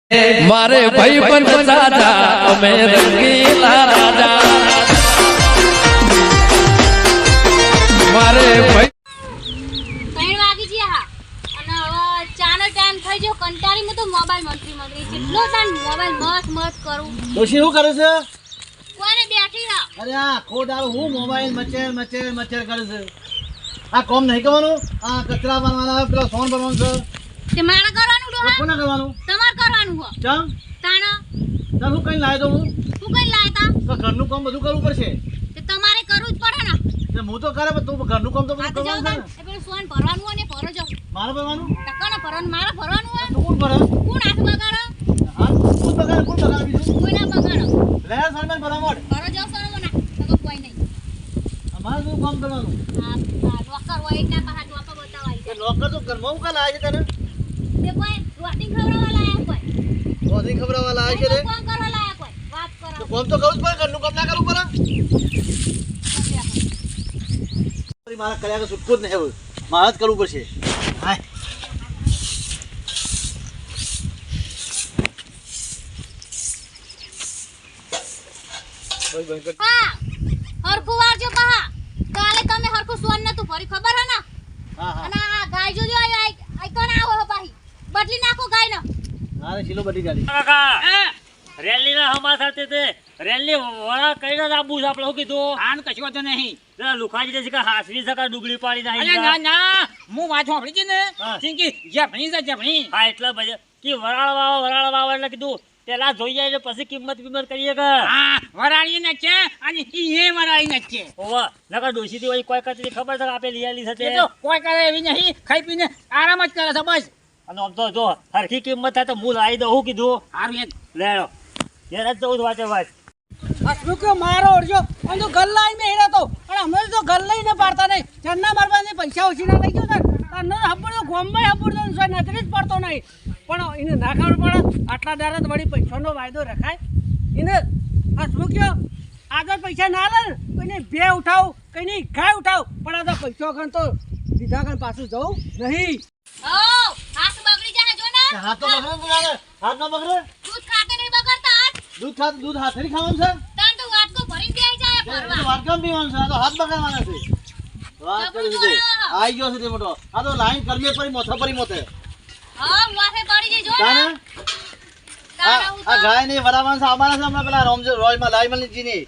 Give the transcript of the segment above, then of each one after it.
મારે ભાઈ પણ દાદા અમે રંગીલા રાજા મારે ભાઈ 3 વાગી ગયા અને હવે ચાનો ટાઈમ થઈ ગયો કંટાળી મે તો મોબાઈલ મંત્રી જેટલો તાન મોબાઈલ મસ્ત કરું ડોશી શું કરે છે કોને બેઠી રહા અરે આ ખોદારો હું મોબાઈલ મચેર કરે છે આ કોમ નહીં કરવાનું આ કચરા ભરવાના પેલો સોન ભરવાનું છે તે મારા કરવાનું ડોહા કોને કરવાનું તમાર કરવાનું હો ચમ તાનો ચાલ હું કઈ લાવી દઉં તું કઈ લાયતા તો ઘરનું કામ બધું કરવું પડશે તે તમારે કરવું જ પડે ને હું તો કરે પણ તું ઘરનું કામ તો બધું કરવાનું છે ને એ પેલું સોન ભરવાનું હોય ને ભરો જાવ મારે ભરવાનું ટકાનો ભરવાનું મારા ભરવાનું હોય તો કોણ ભરે કોણ હાથ બગાડો હા કોણ બગાડે બીજું કોઈ ના બગાડો લે સરમેન ભરવા મોડ ભરો જાવ સોન ના તો કોઈ નહીં અમારે શું કામ કરવાનું આ લોકર હોય એટલા પાછા ડોપા બતાવાય એ નોકર તો ઘરમાં હું કાલ આવે છે તને તે કોઈ રોટિંગ ખવડાવવા લાયા કોઈ બધી ખબર વાળા આવે છે રે કોણ કરવા લાયા કોઈ વાત કરો તો કામ તો કરવું જ પડે ઘરનું કામ ના કરવું પડે મારા કર્યા કે છૂટકો જ નહીં હવે મારે જ કરવું પડશે હાય હા હરખું વારજો પા કાલે તમે હરખું સોન નતું ભરી ખબર હે ને હા હા અને આ ગાય જોજો આઈ કોણ આવો હે પાહી બદલી નાખો ગાય ને મારે શીલો બધી ગાડી કાકા રેલી ના હમા સાથે તે રેલી વડા કઈ ના આબુ છે આપણે શું કીધું આન કશો તો નહીં પેલા લુખાજી છે કે હાસવી સકા ડુગળી પાડી અરે નાખી ના ના હું વાત સાંભળી છે ને હા. ચિંકી જફણી છે જફણી હા એટલા બધા કે વરાળ વાવ એટલે કીધું પેલા જોઈ જાય એટલે પછી કિંમત કરીએ કે હા વરાળી ને છે અને ઈ એ વરાળી ને છે ઓવા નકર ડોસી થી કોઈ કચરી ખબર છે કે આપે લઈ આલી છે એ તો કોઈ કરે એવી નહીં ખાઈ પીને આરામ જ કરે છે બસ અને આમ તો જો હરખી કિંમત થાય તો હું લાવી દઉં શું કીધું હારું એક લેડો યાર જ જવું વાંચે વાત હસમુખ્યો મારો ઓરજો અને તો ગલ્લા આઈને હેરા તો અને અમે તો ગલ્લા ને પાડતા નહીં ચન્ના મારવાને પૈસા ઓછી ના લઈ ગયો ને તને હબડો ગોમમાં હબડો સોય નજરે જ પડતો નહીં પણ એને ના ખબર પડે આટલા દારા તો વળી પૈસાનો વાયદો રખાય એને હસમુખ્યો આગળ પૈસા ના લે કોઈને બે ઉઠાવ કોઈની ગાય ઉઠાવ પણ આ તો પૈસો ગણ તો લીધા ગણ પાછું જવું નહીં ઓ હાથ બગડી જાય જો ને હાથ તો બગડે ને તારે હાથ ના બગડે દૂધ ખાતે નહીં બગડતા હાથ દૂધ ખાતું દૂધ હાથેથી ખાવાનું છે તાન તો વાટકો ભરીને બેહી જાય એ તો ભરવા વાત કેમ પીવાનું છે આ તો હાથ બગાડવાના છે વાત કરી દીધી આઈ ગયો છે તે મોટો આ તો લાઈન કરવી પડી મોથા પડી મોથે હા માથે પડી જાય જો ને તાને તારા હું આ ગાય ને વરાવાન છે આવવાના છે હમણાં પેલા રોયમાં લાઈમલજી ની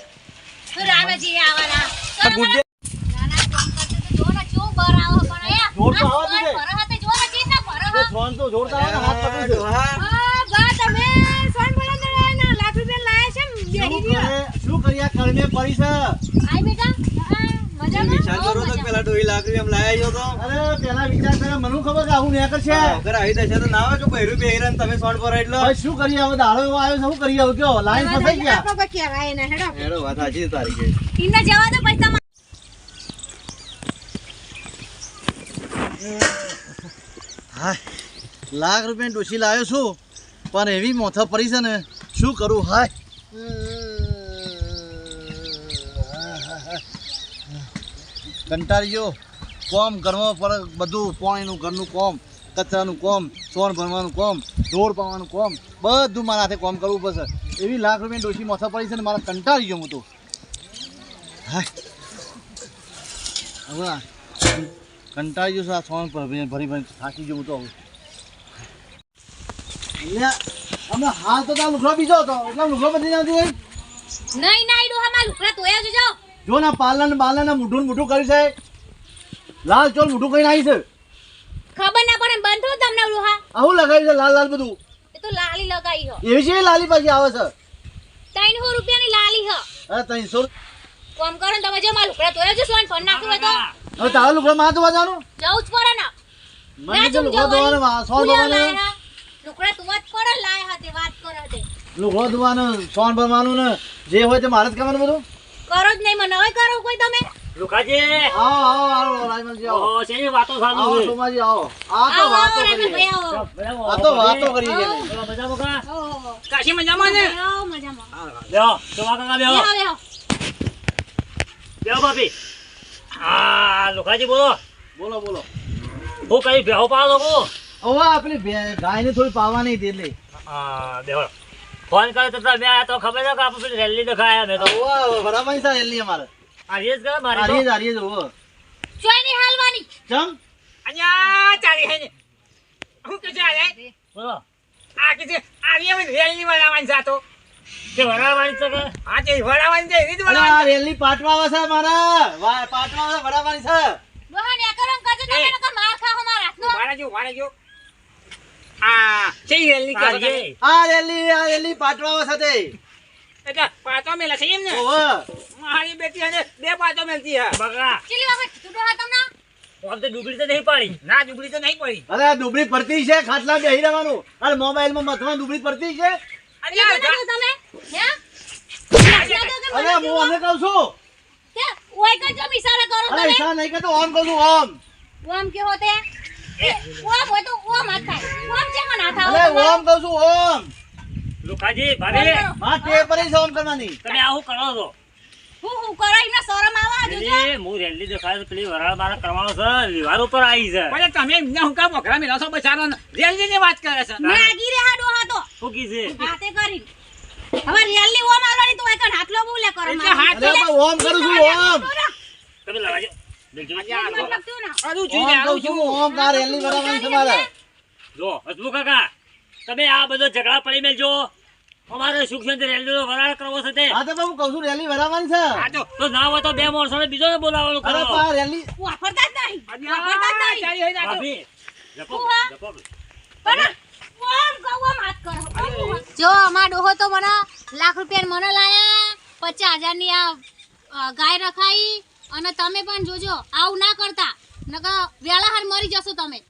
તો રામજી આવાના ગુડ્ડે નાના કામ કરતે તો જો ને ચો બર આવો પણ આયા જોર તો આવા દીધે. ભરો હાથે જો ને ચીજ ના ભરો તો ફોન તો જોડતા હોય ને હાથ પકડી છે હા બા તમે સોન બોલા ના લાખ રૂપિયા લાયા છે બેહી ગયો શું કર્યા કરમે પડી છે આઈ બેટા મજામાં વિચાર કરો તો પેલા 2 લાખ રૂપિયા એમ લાયા છો તો અરે પેલા વિચાર કરે મને ખબર કે આવું નેકર છે અગર આવી દશા તો ના આવે કે બૈરું બેહીરા ને તમે સોન પર એટલો હવે શું કરીએ હવે દાડો એવો આવ્યો છે શું કરીએ હવે કયો લાઈન ફસાઈ ગયા કોઈ કહેવાય ને હેડો એનો વાત સાચી છે તારી કે ઇન્ના જવા દો પૈસા હાય લાખ રૂપિયા ડોશી લાવ્યો છું પણ એવી મોથા પડી છે ને શું કરું હાય કંટાળી ગયો કોમ કરવા પડે બધું પાણીનું ઘરનું કોમ કચરાનું કોમ સોન ભરવાનું કોમ ઢોર પાવાનું કોમ બધું મારા હાથે કોમ કરવું પડશે એવી લાખ રૂપિયા ડોશી મોથા પડી છે ને મારા કંટાળી ગયો હું તો હાય હવે કંટાળી ગયો છું આ સોન ભરી ભરી થાકી ગયો હું તો હવે અમે હાલ તો ત્યાં લુગડો બીજો હતો એટલે લુગડો બધી જતી હોય નહીં નહીં ડોહા માં લુકડા તોયા જો જાઓ જો ના પાલન બાલન મોઢું મોઢું કર્યું છે લાલ ચોલ મોઢું કઈ નાખી છે ખબર ના પડે બંધ થો તમને ડોહા આવું લગાવ્યું છે લાલ લાલ બધું એ તો લાલી લગાઈ હો એવી છે લાલી પાછી આવે છે 300 રૂપિયાની લાલી હ અરે 300 કોમ કરો ને તમે જો માં લુકડા તોયા જો સોન ફોન નાખ્યો હોય તો હવે તારા લુગડો માં તો જવાનું જવું જ પડે ને મને તો લુગડો ધોવાનો સોન ભરવાનો લુકડા તું જ પડે લાય હાથે વાત કરો તે લુગડો ધોવાનો સોન ભરવાનું ને જે હોય તે મારે જ કરવાનું બધું કરો જ નહીં મને હવે કરો કોઈ તમે લુખાજી આવો આવો આવો રાયમલજી આવો ઓહો શેની વાતો ચાલુ આવો છે સોમાજી આવો આ તો આવો વાતો આવો કરીએ ભાઈ આવો આ તો વાતો કરીએ છે મજામાં કા ઓહો કાશી મજામાં ને આવો મજામાં બેહો જોવા કાકા બેહો બેહો બેહો બેહો ભાભી હા લુખાજી બોલો બોલો બોલો હું કઈ બેહો પાડો લોકો હવે આપણી ગાયને થોડી પાવાની હતી એટલે હા બેહો ફોન કર્યો તો તમે આ તો ખબર છે કે આપણે પેલી રેલી દેખાયા મેં તો ઓવા બરાબર છે રેલી અમારે આ રેસ કરે મારી આરીએ જ ઓવો ચોય નહીં હાલવાની ચમ અહીંયા ચાલી હે ને હું કે છે આ બોલો કે છે આ રે રેલી બનાવવાની જાતો કે વરાવાની છે કે હા તે વડાવાની છે રીત અરે આ વડાવાની રેલી પાટવા આવે છે મારા પાટવા આવે બરાબર છે ડોહા ને કરમ કરજો તમે નકર માર ખાઓ મારા હાથનો વાળા જો આ છે રેલી કે આજે આ રેલી પાટવા આવે છે તે એટલે પાતો મેલા છે એમ ને ઓવા મારી બેટી અને બે પાતો મેલતી હે બગા ચીલી વખત તું ડોહા તમને આમ તો ડુબળી તો નહીં પાડી ના ડુબળી તો નહીં પડી અરે આ દુબળી પડતી છે ખાટલા બેહી રહેવાનું અરે મોબાઈલમાં મથમાં દુબળી પડતી છે અરે ઈ યાર બનાવ્યું તમે હે અરે હું અમને કહું છું કે ઓય કરજો મિસારા કરો અરે તમે ઈશા નહીં કહેતો ઓમ કહું છું ઓમ ઓમ કે હોતે ઓમ હોય તો ઓમ હાથ થાય ઓમ છે મને હાથ અરે આવો ઓમ કહું છું ઓમ લુખાજી ભાભી હા તે પરી છે ઓમ કરવાની તમે આવું કરો છો હું કરો એમને શરમ આવા જોજો પેલી હું રેલી દેખાય તો પેલી વરાળ મારા કરવાનો છે વિવાર ઉપર આવી છે પણ તમે એમને હું કામ મોકરા મેલા છો બચારો રેલી ની વાત કરે છે મેં આગી રે હા ડોહા તો શું કીધે હાથે કરી હવે રિયલી ઓમ આલવાની તો હોય કણ હાથ લો બોલે કરો એટલે હાથ અરે પણ ઓમ કરું છું ઓમ તમે લગાજો દેખજો મતલબ તું ના આવું ઓમ જોઈએ કહું આવું છું છું ઓમ કા રેલી બરાબર છે મારે જો હસમુખ કાકા તમે આ બધો ઝઘડા પડી મેલજો અમારે સુખ શાંતિ રેલીનો વરાળ કરવો છે તે હા તો હું કહું છું રેલી બરાબર છે આ તો તો ના હોય તો બે માણસોને બીજોને બોલાવવાનું અરે કરો પણ રેલી વાપરતા જ નહીં વાપરતા જ નહીં ચાલી હોય ભાભી જપો હા. જપો પણ ઓમ કહો ઓમ હાથ કરો જો અમાર ડોહો તો મને લાખ રૂપિયા મને લાયા 50,000 ની આ ગાય રખાઈ અને તમે પણ જોજો આવું ના કરતા નકર વેળા હાર મરી જશો તમે